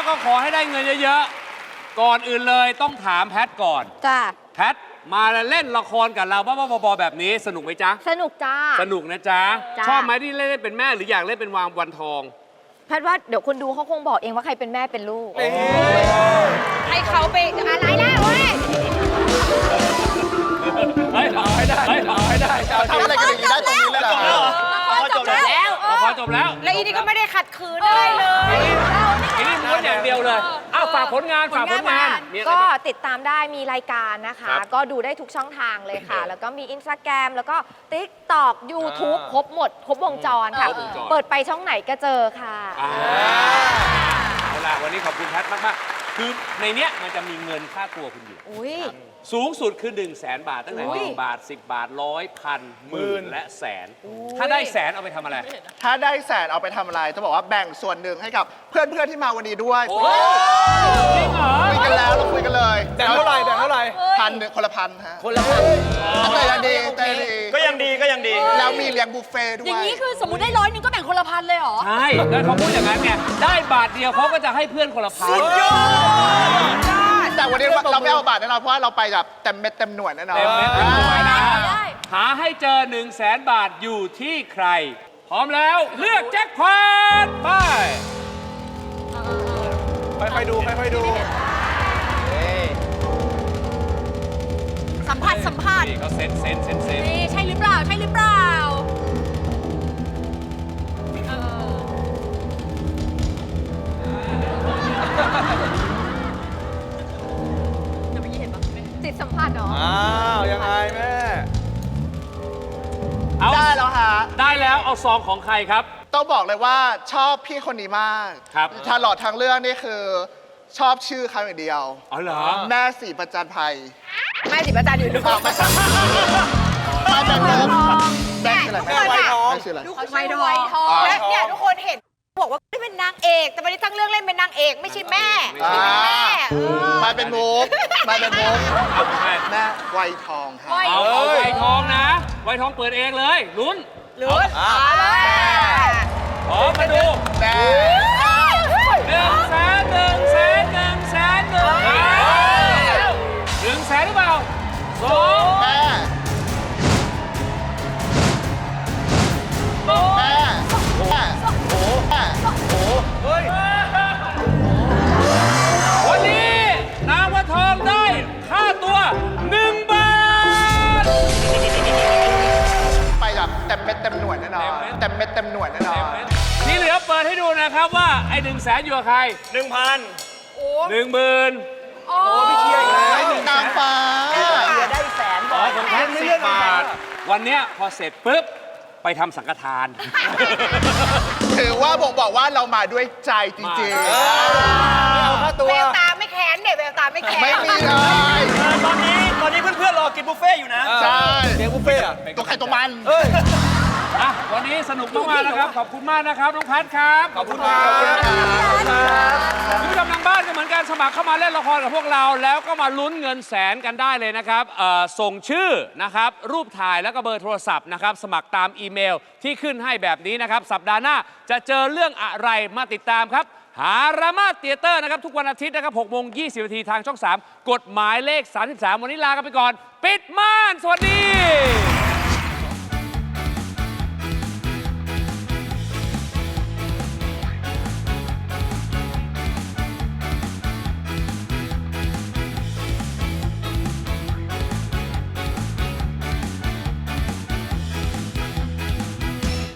ก็ขอให้ได้เงินเยอะๆก่อนอื่นเลยต้องถามแพทก่อนจ้าแพทมาเล่นละครกับเราบ้าๆบอๆแบบนี้สนุกไหมจ๊ะสนุกจ้าสนุกนะจ๊ะจ้าชอบไหมที่เล่นเป็นแม่หรืออยากเล่นเป็นวันทองแพทย์ว่าเดี๋ยวคนดูเขาคงบอกเองว่าใครเป็นแม่เป็นลูกให้เขาไปอะไรล่ะเว้ยเฮ้ยเอาให้ได้เอาให้ได้ทำอะไรกันอย่างนี้ได้ตรงนี้เลยเหรอจบแล้วละครจบแล้วแล้วอีนี่ก็ไม่ได้ขัดขืนอะไรเลยทีนี้ม้วนอย่างเดียวเลยอ้าวฝากผลงานมีอะไรก็บ้างติดตามได้มีรายการนะคะครับก็ดูได้ทุกช่องทางเลยค่ะ แล้วก็มี Instagram แล้วก็ TikTok YouTube ครบหมด ครบวงจรค่ะครบวงจรเปิดไปช่องไหนก็เจอค่ะเอาล่ะวันนี้ขอบคุณแพทมากๆคือในเนี้ยมันจะมีเงินค่าตัวคุณอยู่อุ้ยสูงสุดคือ100,000 บาทตั้งแต่อุ้ย 1 บาท 10 บาทร้อยพันหมื่นและแสน ถ้าได้แสนเอาไปทำอะไรถ้าได้แสนเอาไปทำอะไรจะบอกว่าแบ่งส่วนหนึ่งให้กับเพื่อนๆที่มาวันนี้ด้วยโอ้จริงเหรอคุยกันแล้วเราคุยกันเลยแต่เท่าไหร่แต่เท่าไหร่ 1,000คนละพันฮะคนละพันแต่ยังดีแต่ดีก็ยังดีก็ยังดีแล้วมีเลี้ยงบุฟเฟ่ต์ด้วยอย่างนี้คือสมมติได้100นึงก็แบ่งคนละพันเลยเหรอใช่แล้วเขาพูดอย่างนั้นไงได้บาทเดียวเขาก็จะให้เพื่อนคนละพันแต่วันนี้เราไม่เอาบาทแน่นอนเพราะว่าเราไปแบบเต็มเม็ดเต็มหน่วยแน่นอนเต็มเม็ดเต็มหน่วยนะได้หาให้เจอ100,000 บาทอยู่ที่ใคร พร้อมแล้วเลือกแจ็คพอตไปค่อยๆดูค่อยๆดูสัมผัสสัมผัสนี่เขาเซ็นนี่ใช่หรือเปล่า ใช่หรือเปล่าจะไม่เห็นปะจิตสัมผัสเหรออ้าวยังไงแม่เอาได้แล้วฮะได้แล้วเอาซองของใครครับต้องบอกเลยว่าชอบพี่คนนี้มากครับตลอดทางเรื่องนี่คือชอบชื่อเขาอย่างเดียวอ๋อเหรอแม่สีประจันภัยแม่สิประจานอยู่ดูไม่ใช่มาจากเดิมแม่ชื่ออะไรทุกคนอะแม่ชื่ออะไรดูไวทองและเนี่ยทุกคนเห็นบอกว่าไม่เป็นนางเอก แต่วันนี้ทั้งเรื่องเล่นเป็นนางเอกไม่ใช่แม่ไม่ใช่เป็นแม่มาเป็นมุกมาเป็นมุกเอาไปแม่ไวทองค่ะเอาไวทองนะ ไวทองเปิดเองเลยลุ้นหรือเอาเลยพร้อมมาดูแม่ 100,000 100,000 100,000หรือเปล่า2 แม่แม่แม่โอ้แม่เฮ้ยวันนี้นางวันทองได้ค่าตัว1 บาทไปแบบเต็มเม็ดเต็มหน่วยแน่นอนเต็มเม็ดเต็มหน่วยแน่นอนที่เหลือเปิดให้ดูนะครับว่าไอ้100,000อยู่กับใคร 1,000 10,000 โอ้พี่เชียร์อีกแล้วนางฟ้าได้แสนอ๋อของแพท10 บาท วันเนี้ยพอเสร็จปุ๊บ ไปทำสังฆทานถือว่าบ่งบอกว่าเรามาด้วยใจจริงเอาค่าตัวแววตาไม่แค้นเด็กแววตาไม่แค้นๆ ไม่มีเลยตอนนี้เพื่อนๆรอกินบุฟเฟ่ต์อยู่นะใช่เลี้ยงบุฟเฟ่ต์อะตัวใครตัวมันเอ้ยอ่ะ วันนี้สนุกมากๆนะครับ ขอบคุณมากนะครับ น้องพัดครับ ขอบคุณครับคุณผู้ชมทางบ้านก็เหมือนกันสมัครเข้ามาเล่นละครกับพวกเรา แล้วก็มาลุ้นเงินแสนกันได้เลยนะครับส่งชื่อนะครับ รูปถ่ายแล้วก็เบอร์โทรศัพท์นะครับ สมัครตามอีเมลที่ขึ้นให้แบบนี้นะครับ สัปดาห์หน้าจะเจอเรื่องอะไรมาติดตามครับ หารามาเตียเตอร์นะครับ ทุกวันอาทิตย์นะครับ6:20 นาทีทางช่อง 3 กฎหมายเลข 33 วันนี้ลากันไปก่อน ปิดม่าน สวัสดี